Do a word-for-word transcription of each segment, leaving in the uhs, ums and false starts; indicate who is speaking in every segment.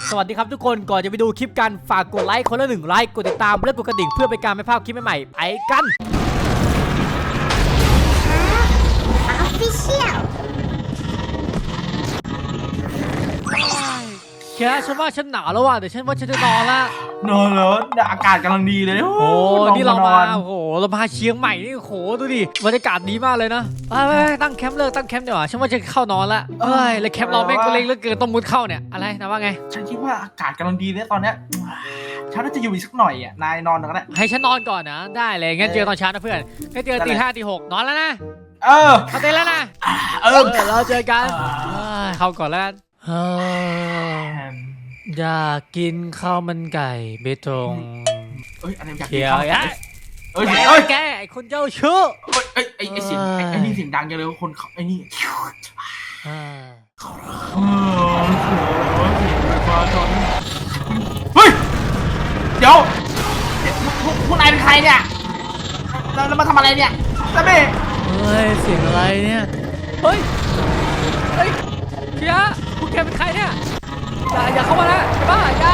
Speaker 1: สวัสดีครับทุกคนก่อนจะไปดูคลิปกันฝากกดไลค์คนละหนึ่งไลค์กดติดตามและกดกระดิ่งเพื่อเป็นการไม่พลาดคลิปใหม่ๆไปกันแค่ฉันว่าฉันหนาวแล้วว่ะเดี๋ยวฉันว่าฉันจะนอนละ
Speaker 2: นอนแล้วอากาศกำลังดีเลยโอ้
Speaker 1: นี่เรามาโอ้โหเรามาเชียงใหม่นี่โอ้โหดูดิบรรยากาศดีมากเลยนะไปตั้งแคมป์เลยตั้งแคมป์เดี๋ยวฉันว่าจะเข้านอนละเฮ้ยแล้วแคมป์เราแม่งก็เล็กเหลือเกินต้องมุดเข้าเนี่ยอะไรนะว่าไง
Speaker 2: ฉันคิดว่าอากาศกำลังดีเลยตอนเนี้ยฉันน่าจะอยู่อีกสักหน่อยอ่ะนายนอนก็ได้
Speaker 1: ให้ฉันนอนก่อนนะได้เลยงั้นเจอตอนเช้านะเพื่อนงั้นเจอตีห้าตีหกนอนแล้วนะ
Speaker 2: เออ
Speaker 1: เข้าเต้นแล้วนะ
Speaker 2: เออ
Speaker 1: เราเจอกันเข้าก่อนแล้วอยากกินข้าวมันไก่เบตง
Speaker 2: เอ้ยอะไรอยากกิ
Speaker 1: น
Speaker 2: ข้าวไก่
Speaker 1: เอ้ยเอ้ยแกไอคนเจ้าชู้
Speaker 2: เอ้ยไอไอเสียงไอนี่เสียงดังจังเลยคนไอนี่เฮ้ยเดี๋ยวพวกนายเป็นใครเนี่ยเรามาทำอะไรเนี่ยซาเบ้
Speaker 1: เฮ้ยเสียงอะไรเนี่ยเฮ้ยเฮ้ยเคียพวกแกเป็นใครเนี่ยอย่าอย่าเข้ามานะบ้าอย่า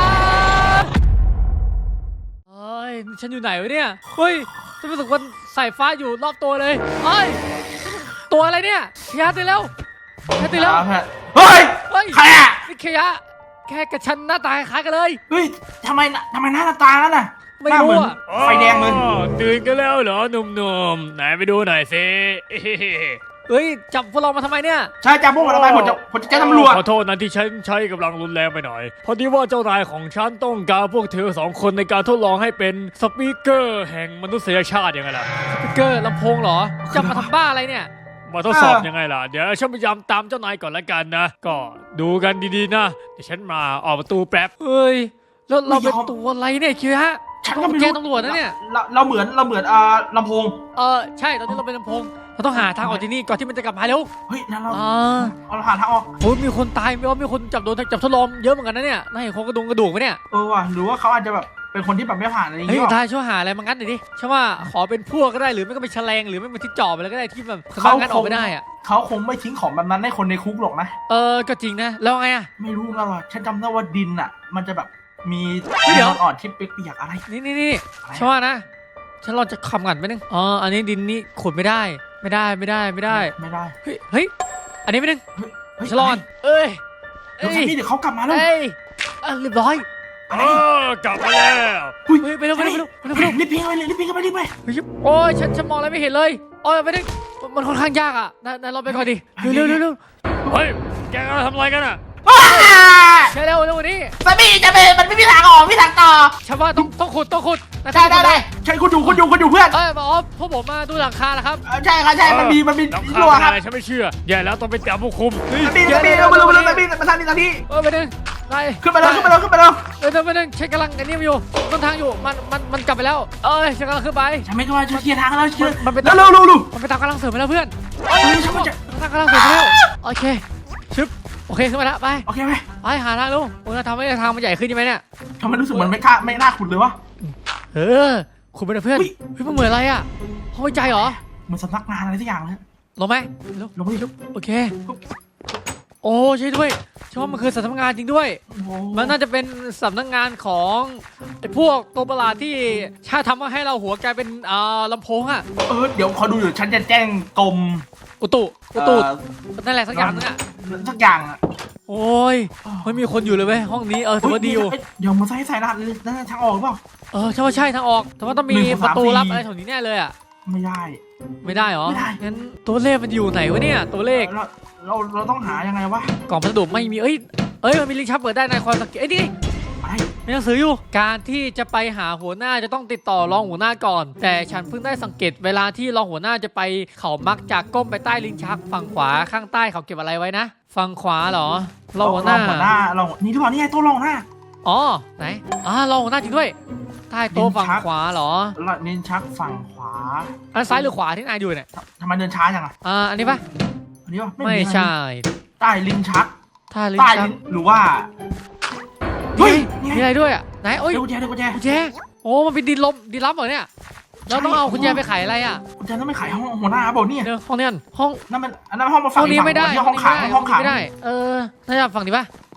Speaker 1: เฮ้ยฉันอยู่ไหนวะเนี่ยเฮ้ยฉันรู้สึกว่าสายฟ้าอยู่รอบตัวเลยเฮ้ยตัวอะไรเนี่ยเคียตื่นแล้วเคียตื่นแล้ว
Speaker 2: เฮ้ยใครอะ
Speaker 1: นี่เคียแค่กับฉันหน้าตาคล้ายกันเลย
Speaker 2: เฮ้ยทำไมทำไมหน้าตาแล้วน่ะ
Speaker 1: ไม่รู้อะ
Speaker 2: ไฟแดงเลย
Speaker 3: ตื่นกันแล้วเหรอหนุ่มๆไหนไปดูหน่อยสิ
Speaker 1: เฮ้ยจับพวกเรามาทำไมเนี่ย
Speaker 2: ใช่จับพวกเราทำไมผมจะผมจะแจ้งตำรวจ
Speaker 3: ขอโทษนะที่ฉันใช้กำลังรุนแรงไปหน่อยพอดีว่าเจ้านายของฉันต้องการพวกเธอสองคนในการทดลองให้เป็นสปีกเกอร์แห่งมนุษยชาติยังไงล่ะ
Speaker 1: สปีกเกอร์ลำโพงเหรอจะมาทำบ้าอะไรเนี่ย
Speaker 3: มาทดสอบยังไงล่ะเดี๋ยวฉันพยายามตามเจ้านายก่อนละกันนะก็ดูกันดีๆนะเดี๋ยวฉันมาออกประตูแป๊บ
Speaker 1: เฮ้ยแล้วเราเป็นตัวอะไรเนี่ยคิวฮะ
Speaker 2: ฉัน
Speaker 1: ก็ไม่รู้ตำรวจนะเนี่ย
Speaker 2: เราเราเหมือนเราเหมือนอ่าลำโพง
Speaker 1: เออใช่ตอนนี้เราเป็นลำโพงเราต้องหาทางออกที่นี่ก่อนที่มันจะกลับมาเร็ว
Speaker 2: เฮ้ยนั่นเรา
Speaker 1: เรา
Speaker 2: หาทางออก
Speaker 1: โอ้ยมีคนตายมีว่ามีคนจับโดนจับทดลองเยอะเหมือนกันนะเนี่ยน่าเห็นโครงกระดูกกระดูกไหมเนี่ย
Speaker 2: เออว่ะหรือว่าเขาอาจจะแบบเป็นคนที่แบบไม่ผ่านอะไรอย่าง
Speaker 1: เงี้
Speaker 2: ย
Speaker 1: เฮ้ยทายช่วยหาอะไรมางั้นหน่อยดิใช่ว่าขอเป็นพวกก็ได้หรือไม่ก็เป็นแฉลงหรือไม่เป็นที่จ่อไปเลยก็ได้ที่แบบเขางัดออกไม่ได้อะ
Speaker 2: เขาคงไม่ทิ้งของแบบนั้นให้คนในคุกหรอกนะ
Speaker 1: เออก็จริงนะแล้วไงอะ
Speaker 2: ไม่รู้นะว่ะฉันจำได้ว่าดินอ่ะมันจะแบบมี
Speaker 1: เดี๋ยว
Speaker 2: อ่อนที่เปียกๆอะไร
Speaker 1: นี่นี่นี่ใช่ว่านะฉันรอจะคำกันไปนึงอ๋ออันนี้ดินนี่ขุดไม่ได้ไม่ได้ไม่ได้ไม่ได้
Speaker 2: ไม่ได้
Speaker 1: เฮ้ยเฮ้ยอันนี้ไปนึงฉลอนเอ้ย
Speaker 2: เดี๋ยวนี่เดี๋ยวเขากลับมาแล้ว
Speaker 1: เอ้ยเรียบร้อย
Speaker 3: เออกลับมาแล้ว
Speaker 1: เฮ้ยไปเร็วไปเร็วไปเร็วไปเร็ว
Speaker 2: รีบพิงไปเลยรีบพิงไปรีบไป
Speaker 1: โอ้ยฉันฉันมองอะไรไม่เห็นเลยโอ้ยไปนึงมันค่อนข้างยากอ่ะนายรอไปก่อนดิเร็วเร็วเร็ว
Speaker 3: เฮ้ยแกทำอะไรกันอ่ะ
Speaker 1: ใช่เร็วเร็วนี้
Speaker 2: สามีจะไปมันไม่มีทางออกไม่มีทางต่อ
Speaker 1: ฉันว่าต้องต้องขุดต้องขุด
Speaker 2: ได้ได้ได้ใช่คุณอยู่คุณอยู่คุณอยู่เพื่อน
Speaker 1: เออบอกว่าพวกผมมาดูหลังคาแล้วครับ
Speaker 2: ใช่ครับใช่มันมีมันมี
Speaker 3: รั้วครับฉันไม่เชื่อใหญ่แล้วต้องไปจับผู้คุม
Speaker 2: สามีสามีเอามาเลยมาเลยมาทางนี้ทางนี้
Speaker 1: เออไปนึงไป
Speaker 2: ขึ้นไปแล้วขึ้นไปแล้วขึ้นไปแล้ว
Speaker 1: เออไปนึงฉันกำลังอันนี้อยู่ต้นทางอยู่มันมันมันกลับไปแล้วเออฉันกำลังขึ้นไป
Speaker 2: ฉันไม่กล้าจะเคลียร์ทางแล้วเชื่อ
Speaker 1: มันไป
Speaker 2: เร็วเร็วเร็ว
Speaker 1: มันไปตามกำลังเสริมไปแล้วเพื่อน
Speaker 2: เฮ้ยฉันจะ
Speaker 1: ทางกำลังเสริมไปแล้วโอเคชึบโอเคขึ้นมาแล้วไป
Speaker 2: โอเคไป
Speaker 1: ไปหาทางลูกโอ้ยทำให้ทางมันใหญ่ขึ้นใช่ไหมเนี่ย
Speaker 2: ทำไมรู้สึกเหมือนไม่กล้าไม่น่าขุดเลยวะ
Speaker 1: เออขุดไปนะเพื่อนเฮ้ยมันเหมือนอะไรอ่ะห้องใจเหรอ
Speaker 2: มันสำนักงานอะไรสักอย่างเลย
Speaker 1: ลงไหม
Speaker 2: ลงไปลุก
Speaker 1: โอเคโอ้ใช่ด้วยใช่ว่ามันคือสำนักงานจริงด้วยมันน่าจะเป็นสำนักงานของไอ้พวกตัวประหลาดที่ชาทำมาให้เราหัวกลายเป็นอ่าลำโพงอ่ะ
Speaker 2: เออเดี๋ยวขอดูอยู่ฉันจะแจ้งกรม
Speaker 1: อุตุอุตุนั่นแหละสักอย่างนึงอ่ะ
Speaker 2: สักอย่างอ่ะ
Speaker 1: โอ้ยไม่มีคนอยู่เลยเว้ยห้องนี้เออถือว่าดีอยู่
Speaker 2: เดี๋ยวมาใส่ใส่รหัสเลยนั่นทางออกหรือเปล่า
Speaker 1: เออใช่ว่าใช่ทางออกแต่ว่าต้องมีประตูลับอะไรแถวนี้แน่เลยอ่ะ
Speaker 2: ไม่ได้
Speaker 1: ไม่ได้หรอไม่ได้งั้นตัวเลขมันอยู่ไหนวะเนี่ยตัวเลข
Speaker 2: เราเราต้องหายังไงวะ
Speaker 1: กล่องพัสดุไม่มีเอ้ยเอ้ยมันมีลิงก์ชับเปิดได้ในความสังเกตไอ้นี่มีหนังสืออยู่การที่จะไปหาหัวหน้าจะต้องติดต่อรองหัวหน้าก่อนแต่ฉันเพิ่งได้สังเกตเวลาที่รองหัวหน้าจะไปเขามักจะก้มไปใต้ลิ้นชักฝั่งขวาข้างใต้เขาเก็บอะไรไว้นะฝั่งขวาเหรอรองหัวหน้ารองหัวหน้าร
Speaker 2: องนี่ทุกคนนี่ไงโต๊ะรองหัวหน้า
Speaker 1: อ๋อไหนอ่ารองหัวหน้าจริงด้วยใต้โต๊ะฝั่งขวาเหรอ
Speaker 2: ลิ้นชักฝั่งขวา
Speaker 1: อันซ้ายหรือขวาที่นายดูเนี่ย
Speaker 2: ทำไมเดินช้าจังอ่ะ
Speaker 1: อ่าอันนี้ปะ
Speaker 2: อันนี้ปะ
Speaker 1: ไม่ใช่
Speaker 2: ใต้ลิ้นชัก
Speaker 1: ใต้ลิ้นชัก
Speaker 2: หรือว่า
Speaker 1: เฮ้ยมีอะไรด้วยอ่ะไหนโอ้ย
Speaker 2: กุญแจกุญแจ
Speaker 1: กุญแจโอ้มันเป็นดินลมดินลับเหรอเนี่ยเราต้องเอากุญแจไปขายอะไรอ่ะ
Speaker 2: กุญแจต้องไปขายห้องหัวหน้าบอกนี่
Speaker 1: ห้องนี้ห้อง
Speaker 2: นั่นมันอันนั้นห้องมาฝั่ง
Speaker 1: นี้ไม่ได้
Speaker 2: ห้องขายห้องขาย
Speaker 1: ไม่ได้เออน่าจะฝั่งนี้ปะ
Speaker 2: ใ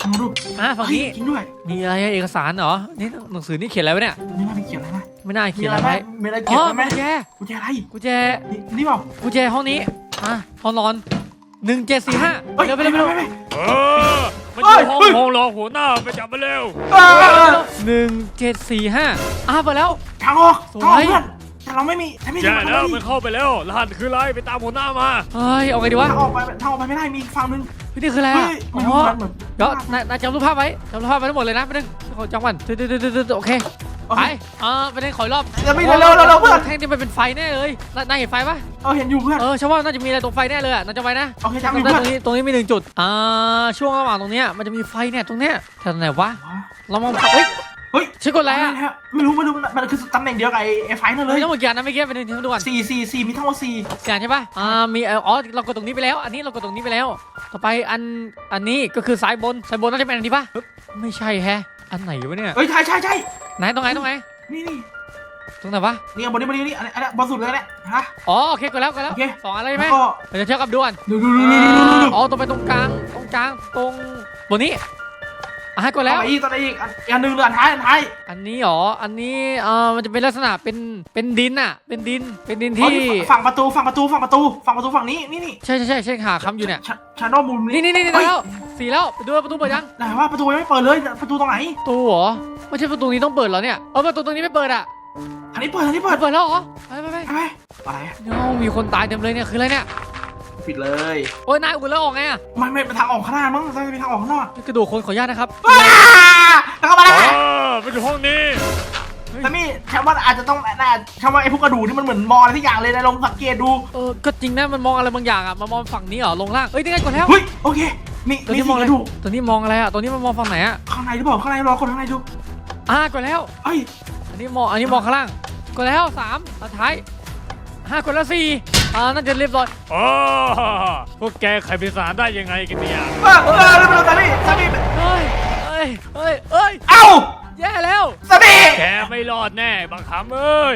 Speaker 2: ลองดู
Speaker 1: อ่ะฝั่งนี้
Speaker 2: เฮ้ยจริงด้วย
Speaker 1: มีอะไรเอกสารเหรอนี่หนังสือนี่เขียนอะไรวะเนี่ย
Speaker 2: ไม่น่ามีเขียนอะไรนะ
Speaker 1: ไม่น่า
Speaker 2: มี
Speaker 1: เขียน
Speaker 2: อะ
Speaker 1: อะไร ไร
Speaker 2: ไหม
Speaker 1: ไว้
Speaker 2: มีอะไร
Speaker 1: อ๋
Speaker 2: เขีย
Speaker 1: อน
Speaker 2: ไว้ไหม
Speaker 1: กุญแจ
Speaker 2: กุญแจอะไร
Speaker 1: กุญแจ
Speaker 2: นี่นี่เปล่า
Speaker 1: กุญแจห้องนี้อ่ะห้องนอนหนึ่งเจ็ดสี่ห้า
Speaker 2: เฮ้ย
Speaker 1: เร็วไปเร็วไปเร็ว
Speaker 2: ไปไป
Speaker 3: เออมันอยู่ห้องห้องรองหัวหน้าไปจับมาเร็ว
Speaker 2: เออ
Speaker 1: หนึ่งเจ็ดสี่ห้าอ่ะไปแล้ว
Speaker 2: ทางออก
Speaker 1: สวย
Speaker 2: ทางออกเพื่อนแต่เราไม่มีแต่ไม่มี
Speaker 3: แย่
Speaker 2: ทาง
Speaker 3: แล้ว
Speaker 2: ออก
Speaker 3: มันเข้าไปแล้วรหัสคืออะไรไปตามหัวหน้ามา
Speaker 1: เฮ้ยเอาไงดีวะ
Speaker 2: ทางออกไปทางออกไปไม่ได้มีอีกฝั่งนึง
Speaker 1: เฮ้ยนี่คืออะไร
Speaker 2: เฮ้
Speaker 1: อ่ะ
Speaker 2: ย
Speaker 1: อ๋
Speaker 2: ไม่รู้
Speaker 1: อ
Speaker 2: มันเหมือน
Speaker 1: เดี๋ยวนายนายจำรูปภาพไว้จำรูปภาพไว้ทั้งหมดเลยนะไปนึงขอจำก่อนตึ๊ดตึ๊ดตึ๊ดตึ๊ดตึ๊ดโอเคไปอ่าไปนึงขออีกรอบ
Speaker 2: จะไม่เร็วเร็วเร็วเร็วเพื่อน
Speaker 1: แท่งที่มันเป็นไฟแน่เลยนายนายเห็นไฟปะ
Speaker 2: เออเห็นอยู่เพื่อน
Speaker 1: เออฉันว่าน่าจะมีอะไรตรงไฟแน่เลยอ่ะนายจำไว้นะ
Speaker 2: โอเคจำอยู่
Speaker 1: ตรง
Speaker 2: เพื่อน
Speaker 1: นี้ตรงนี้มีหนึ่งจุดอ่าช่วงระหว่างตรงเนี้ยมันจะมีไฟเนี่ยตรงเนี้ยแถวไหนวะเรามองเฮ้ย
Speaker 2: เฮ้ย
Speaker 1: ชื่อกดอะไรอ่ะ
Speaker 2: ฮะไม่รู้ไม่รู้มันคือตำแหน่งเดียวกับไอ้ไอ้ไฟนั่นเล
Speaker 1: เฮ้ย
Speaker 2: ย
Speaker 1: ทั้งหมดกี่อันนะเมื่อกี้ไปนึงดูก่อน
Speaker 2: สี่สี่สี่มีทั้งหมดสี่
Speaker 1: สี่อันใช่ปะอ่ามีเอ่ออ๋อเรากดตรงนี้ไปแล้ว อันนี้เรากดตรงนี้ไปแล้ว ต่อไปอันอันนี้ก็คือซ้ายบนซ้ายบนน่าจะเป็นอันนี้ปะปึ๊บไม่ใช่แฮะอันไหนวะเนี่ย
Speaker 2: เฮ้ยใช่ใช่ใช่
Speaker 1: ไหนตรงไหนตรงไหน
Speaker 2: นี่นี่
Speaker 1: ตรงไหนวะ
Speaker 2: นี่บนนี้บนนี้นี่อันนี้อันนี้บนสุดเลยเนี่ยฮะ
Speaker 1: อ๋อโอเคกดแล้วกดแล้ว
Speaker 2: โอเค
Speaker 1: สองอันเลย
Speaker 2: แล้
Speaker 1: ไหม
Speaker 2: วก็
Speaker 1: เดี๋ยวจะเทียบกับด่วน
Speaker 2: ดูดูดูดูดูดู
Speaker 1: อ๋อตรงไปตรงกลางตรงกลางตรงบนนี้อ่ะให้กดแล้ว
Speaker 2: ต่ออีกต่ออีกอันหนึ่งเรือนท้ายอันท้าย
Speaker 1: อันนี้หรออันนี้เอ่อมันจะเป็นลักษณะเป็นเป็นดินอ่ะเป็นดินเป็นดิน
Speaker 2: อ๋อ
Speaker 1: ที่
Speaker 2: นี่ฝั่งประตูฝั่งประตูฝั่งประตูฝั่งประตูฝั่งนี้นี่นี่
Speaker 1: ใช่ใช่ใช่ใช่หาคำอยู่เนี่ย
Speaker 2: ชาโนมุม
Speaker 1: นี่นี่นี่นี่แล้วสี่แล้วไปดูประตูเปิดยัง
Speaker 2: ไหนว่าประตูยังไม่เปิดเลยประตูตรงไหน
Speaker 1: ประตูเหรอไม่ใช่ประตูนี้ต้องเปิดเหรอเนี่ยเออประตูตรงนี้ไม่เปิดอ่ะ
Speaker 2: อันนี้เปิดอันนี้เปิด
Speaker 1: เปิดแล้วเหรอไปไปไป
Speaker 2: ไปไปอะไร
Speaker 1: เนามีคนตายเต็มเลยเนี่ยคืออะไรเนี่ย
Speaker 2: ปิดเลย
Speaker 1: โอ้ยนายอุ่นแล้วออกไงอะ
Speaker 2: ไม่ไม่เป็นทางออกข้างหน้ามั้งจะเป็นทางออกข้างนอก
Speaker 1: กระดูกคนขออนุญาตนะครับ
Speaker 2: แล้วก็มา
Speaker 3: เอ
Speaker 2: แล้ว
Speaker 3: อมันอยู่ห้องนี้
Speaker 2: แต่มี่ฉันว่าอาจจะต้องน่าฉันว่าไอ้พวกกระดูกนี่มันเหมือนมออะไรที่อย่างเลยนะลองสังเกตดู
Speaker 1: เออก็จริงนะมันมองอะไรบางอย่างอะมามองฝั่งนี้เหรอลงล่างเอ้ยนี่ไงกดแล้ว
Speaker 2: เฮ้ยโอเคมี
Speaker 1: ตัว
Speaker 2: มี
Speaker 1: นี้ม
Speaker 2: สี่
Speaker 1: องอะไร
Speaker 2: กระดูก
Speaker 1: ตัวนี้มองอะไรอะตัวนี้มันมองฝั่งไหนอะ
Speaker 2: ข้างในหรือเปล่าข้างในรอคนข้างในดู
Speaker 1: อ่ากดแล้ว
Speaker 2: เอ้ย
Speaker 1: อันนี้มองอันนี้มองข้างล่างกดแล้วสามสุดท้ายห้ากดแล้วสี่อ่าน่าจะเรียบร้อย
Speaker 3: อ๋อพวกแกใครเป็นสารได้ยังไงกันเนี่ย
Speaker 2: เออเออแล้วสามีสามี
Speaker 1: เฮ้ยเอ้ยเอ้ยเอ้ย
Speaker 2: เอ้า
Speaker 1: แย่แล้ว
Speaker 2: สามี
Speaker 3: แกไม่รอดแน่บังคับเอ้ย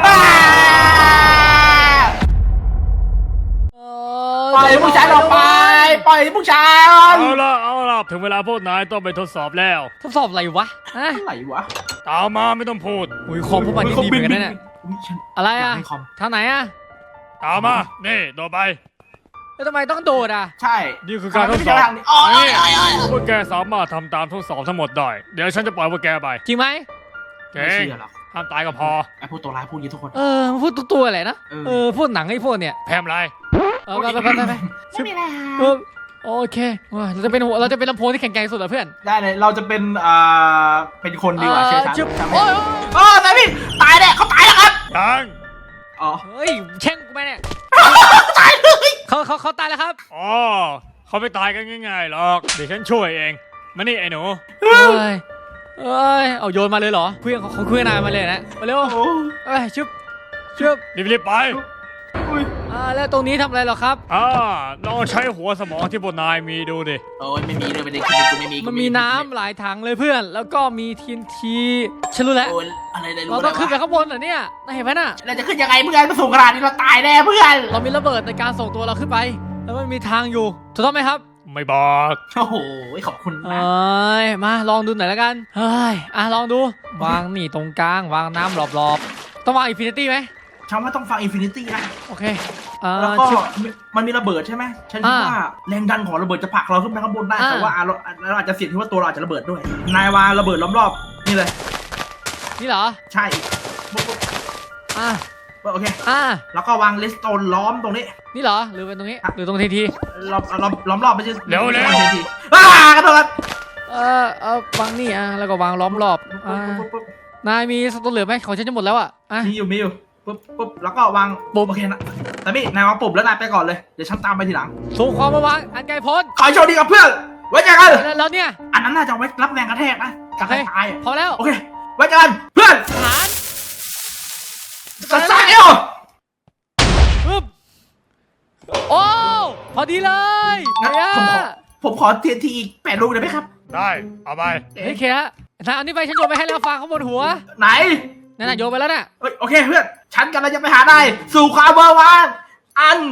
Speaker 1: เอ
Speaker 2: ปล่อยผู้ชายออกไปปล่อยผู้ชาย
Speaker 3: เอาละเอาละถึงเวลาพวกนายต้องไปทดสอบแล้ว
Speaker 1: ทดสอบอะไรวะฮะ
Speaker 2: อะไรวะ
Speaker 3: ตามมาไม่ต้องพูด
Speaker 1: อุ้ยคอมพวกมันนี่ดีเหมือนกันนะเนี่ย
Speaker 2: อุ๊ยฉัน
Speaker 1: อะไรอะ
Speaker 2: ยากให้คอม
Speaker 1: ทางไหนอะ
Speaker 3: ตามมา นี่โดดไป
Speaker 1: แล้วทำไมต้องโดดอะ
Speaker 2: ใช่
Speaker 3: นี่คือการทดสอบ
Speaker 2: ทางนี้อ๋ออ๋ออ๋ออ๋อ
Speaker 3: พวกแกสามารถทำตามทดสอบทั้งหมดได้ เดี๋ยวฉันจะปล่อยพวกแกไป
Speaker 1: จริงไหม
Speaker 3: เก่
Speaker 2: ไม่
Speaker 3: ง
Speaker 2: เชื่อหรอก
Speaker 3: ห้ามตายก็พอ
Speaker 2: ไอ้พวกตัวร้ายพูดอยางนี้ทุกคน
Speaker 1: เออมันพูดตัวๆอะไรนะ
Speaker 2: เออ
Speaker 1: เออพูดหนังไอ้พวกเนี่ย
Speaker 3: แพมไร
Speaker 1: เออไปไปไปไปไป
Speaker 2: ไม่มีอะไร
Speaker 1: เออโอเคว้าเราจะเป็นหัวเราจะเป็นลำโพงที่แข็งแกร่งที่สุดเหรอเพื่อน
Speaker 2: ได้เลยเราจะเป็นอ่าเป็นคนดีกว่าเชื่อฉัน
Speaker 1: ชึบ
Speaker 2: จำ
Speaker 1: โอ้
Speaker 2: ไม่
Speaker 1: ย
Speaker 2: เออสามีตายแน่เขาตายแล้วครับ
Speaker 3: ยัง
Speaker 2: อ๋อ
Speaker 1: เฮ้ยแช่งกูไปเนี่ย
Speaker 2: ตายเลย
Speaker 1: เขาเขาเขาตายแล้วครับ
Speaker 3: อ๋อเขาไม่ตายกันง่ายๆหรอก เดี๋ยวฉันช่วยเอง มานี่ไอ้หนู
Speaker 1: เอ้ยเอ้ยเอาโยนมาเลยเหรอเครื่องเขาเขาเครื่องนายมาเลยนะมาเร็ว
Speaker 2: โอ้
Speaker 1: เอ้ยชึบชึบ
Speaker 3: รีบๆไป
Speaker 2: อุ้ย
Speaker 1: อ่าแล้วตรงนี้ทำอะไรเหรอครับ
Speaker 3: อ่าลองใช้หัวสมองที่พวกนายมีดูดิ
Speaker 2: โอ้ยไม่มีเลยไม่ได้คิดกูไม่มีกู
Speaker 1: มันมีน้ำหลายถังเลยเพื่อน แล้วก็มีทีนทีฉันรู้แล้ว
Speaker 2: โอ้ยอะไรเลยรู้
Speaker 1: เรา
Speaker 2: เล
Speaker 1: ต้อง
Speaker 2: ย
Speaker 1: ขึ้นไป
Speaker 2: วะ
Speaker 1: ข้างบนเหรอเนี่ยนายเห็นไหมน่ะ
Speaker 2: เราจะขึ้นยังไงเพื่อนมาสูงขนาดนี้เราตายแน่เพื่อน
Speaker 1: เรามีระเบิดในการส่งตัวเราขึ้นไป แล้วมันมีทางอยู่ถูกต้องไหมครับ
Speaker 3: ไม่บอก
Speaker 2: โอ้โหขอบคุณ
Speaker 1: เอ
Speaker 2: นะ
Speaker 1: ้ยมาลองดูหน่อยแล้วกันเฮ้ยอ่ะลองดู วางนี่ตรงกลางวางน้ำรอบๆต้องวางอินฟินิตี้ไหม
Speaker 2: ฉันว่าต้องฟังอินฟินิตี้นะ
Speaker 1: โอเคอ่า
Speaker 2: แล้วก็
Speaker 1: ชิบ
Speaker 2: มันมีระเบิดใช่ไหมฉันคิด
Speaker 1: อ่า
Speaker 2: ว่าแรงดันของระเบิดจะผลักเราขึ้นไปข้างบนได้
Speaker 1: อ่า
Speaker 2: แต่ว่าเราเราอาจจะเสี่ยงที่ว่าตัวเราอาจจะระเบิดด้วยนายวางระเบิดล้อมรอบนี่เลย
Speaker 1: นี่เหรอ
Speaker 2: ใช่ปุ๊บปุ๊บ
Speaker 1: อ่ะ
Speaker 2: ปุ๊บโอเค
Speaker 1: อ่ะ
Speaker 2: แล้วก็วางเลสโตนล้อมตรงนี้
Speaker 1: นี่เหรอหรือเป็นตรงนี้หรือตรงทีที
Speaker 2: ล้อมล้อมล้อมรอบไม่ใช่
Speaker 3: เร็วเร็ว
Speaker 2: ไม่ใช่ทีอ้ากระโดด
Speaker 1: เออเออวางนี่อ่ะแล้วก็วางล้อมรอบอ่า
Speaker 2: ปุ๊บปุ๊บ
Speaker 1: นายมีสตูเหลือไหมของฉันจะหมดแล้วอ่ะอ่ะ
Speaker 2: มีอยู่มีอยู่ปุ๊บปุ๊บแล้วก็วาง
Speaker 1: ปุ๊บ
Speaker 2: โอเคนะแต่พี่นายวางปุ๊บแล้วนายไปก่อนเลยเดี๋ยวฉันตามไปทีหลัง
Speaker 1: ส่งความมาวางอันไกลพ้น
Speaker 2: ขอให้โชคดีกับเพื่อนไว้เจอกัน
Speaker 1: แล้วแล้วเนี่ย
Speaker 2: อันนั้นน่าจะเอาไว้รับแรงกระแทกนะกระแทกตายอะ
Speaker 1: พอแล้ว
Speaker 2: โอเคไว้เจอกันเพื่อน
Speaker 1: ฐาน
Speaker 2: สัตว์ซ่าเอว
Speaker 1: ปึ๊บโอ้พอดีเลย
Speaker 2: งั้น
Speaker 1: เฮีย
Speaker 2: ผมขอผมขอเทียนทีอีกแปดลูกได้ไหมครับ
Speaker 3: ได้ เอาไป
Speaker 1: เฮ้ยเคียนายเอานี่ไปฉันโยนไปให้แล้วฟางข้างบนหัว
Speaker 2: ไหน
Speaker 1: นั่นน่ะโยนไปแล้วน่ะ
Speaker 2: เอ้ยโอเคเพื่อนฉันกำลังจะไปหาได้สู่ความเบอร์วานอัน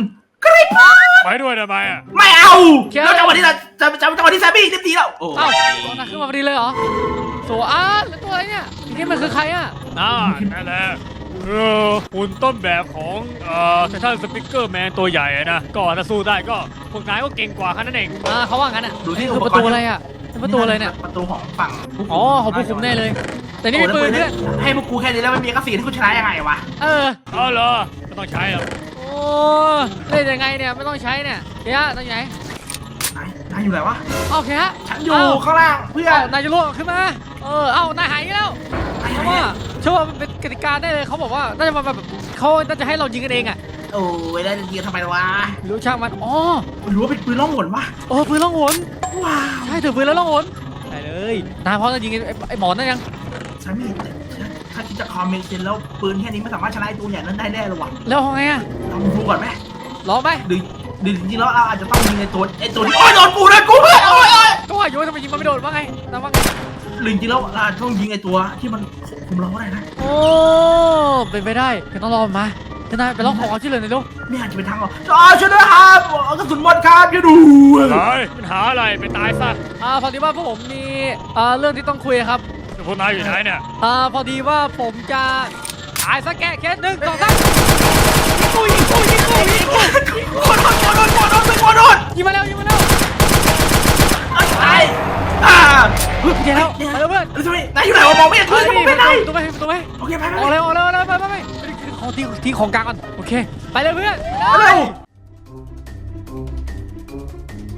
Speaker 2: กริบ
Speaker 3: ไปด้วยทำไมอ่ะ
Speaker 2: ไม่เอาแล้วจังหวะที่เราจะจะจังหวะที่แซมบี้รีบหนีแล้วโอ้
Speaker 1: เอ้าตัวนั้นขึ้นมาพอดีเลยเหรอโซอาร์แล้วตัวอะไรเนี่ยทีนี้มันคือใครอ่ะ
Speaker 3: น่านั่นแหละคือหุ่นต้นแบบของเอ่อไททันสปิเกอร์แมนตัวใหญ่อะนะก็ถ้าสู้ได้ก็พวกนายก็เก่งกว่าแค่นั้นเอง
Speaker 1: อ่าเขาว่างั้นอ่ะ
Speaker 2: ดูที่
Speaker 1: คือประตูอะไรอ่ะเป็นประตูอะไรเนี่ย
Speaker 2: ประตูของฝั่ง
Speaker 1: อ๋อของผู้คุมแน่เลย แต่นี่มีปืนด้วย
Speaker 2: ให้พวกกูแค่นี้แล้วไม่มีกระสีที่กูชนะยังไงวะ
Speaker 1: เออ
Speaker 3: เอาเหรอไม่ต้องใช้หรอก
Speaker 1: โอ้เล่นยังไงเนี่ยไม่ต้องใช้เนี่ยเฮียตรงไหน
Speaker 2: นายนายอยู่ไหนวะ
Speaker 1: โอเคฮะ
Speaker 2: ฉันอยู่ข้างล่างเพื่อ
Speaker 1: เอ้านายจะล่วงขึ้นมาเออเอ้านายหายอีกแล้วเพราะว่าเชื่อว่ามันเป็นกติกาได้เลยเขาบอกว่าน่าจะมาแบบเขาน่าจะให้เรายิงกันเองอ่ะ
Speaker 2: โอ้ยได้ยิงทำไมวะ
Speaker 1: รู้ช่างมันอ๋อ
Speaker 2: หรือว่าเป็นปืนล่องหนวะ
Speaker 1: เออปืนล่องหน
Speaker 2: ว้าว
Speaker 1: ใช่ถือปืนแล้วล่องหนใช่เลยนายพร้อมจะยิงไอ้ไอ้หมอนนั่นยัง
Speaker 2: ฉันมีถ้าคิดจะคอมเมนต์เซนแล้วปืนแค่นี้ไม่สามารถชนะไอ้ตัวใหญ่นั้นได้แน่เลยวะ
Speaker 1: แล้วเอาไงอ่ะ
Speaker 2: ลองดูก่อนไหม
Speaker 1: ลองไหม
Speaker 2: หรือหรือจริงๆแล้วเราอาจจะต้องยิงไอ้ตัวไอ้ตัวที่โอ้ยโดนกูเลยกูเลยโอ้ยโอ้ย
Speaker 1: ก็ว่าอยู่ว่าทำไมยิงมันไม่โดนว่าไงนะว่าไง
Speaker 2: หรือจริงๆแล้วเราอาจจะต้องยิงไอ้ตัวที่มันคุมเราก็ได้นะ
Speaker 1: โอ้เป็นไปได้เดี๋ยวต้องรอมันมาเดี๋ยวนายไปร้องขอความช่วยเหลือหน่อยลูก
Speaker 2: ไม่อาจจะเป็นทางออกอ๋อช่วยด้วยครับกระสุนหมดครับช่วยดู
Speaker 3: อะไรปัญหาอะไรไปตายซะ
Speaker 1: อ่าพอดีว่าพวกผมมีอ่าเรื่องที่ต้องคุยครับ
Speaker 3: พวกนายอยู่ไหนเนี่ย
Speaker 1: อ่าพอดีว่าผมจะตายสักแกะเคสหนึ่งสองสามยิงกูยิงกูยิงกูยิงกู
Speaker 2: โคตรโคตรโคตรโคตรโคตรโคตรโคตร
Speaker 1: ยิงมาแล้วยิงมาแล้ว
Speaker 2: ตายอ่า
Speaker 1: เดี๋ยวแล้วไปแล้วเพื่อน
Speaker 2: ทำไมนายอยู่ไหนวะมองไม่เห็น
Speaker 1: เฮ้
Speaker 2: เลย ยมอง
Speaker 1: ป
Speaker 2: ไม่ได้
Speaker 1: ระตูไปประตูไป
Speaker 2: โอเคไปไป
Speaker 1: ออกเลยออกเลยออกเลยไปไปไปขอทิ้งทิ้งของกลางก่อนโอเคไปเลยเพื่อน
Speaker 2: เร็ว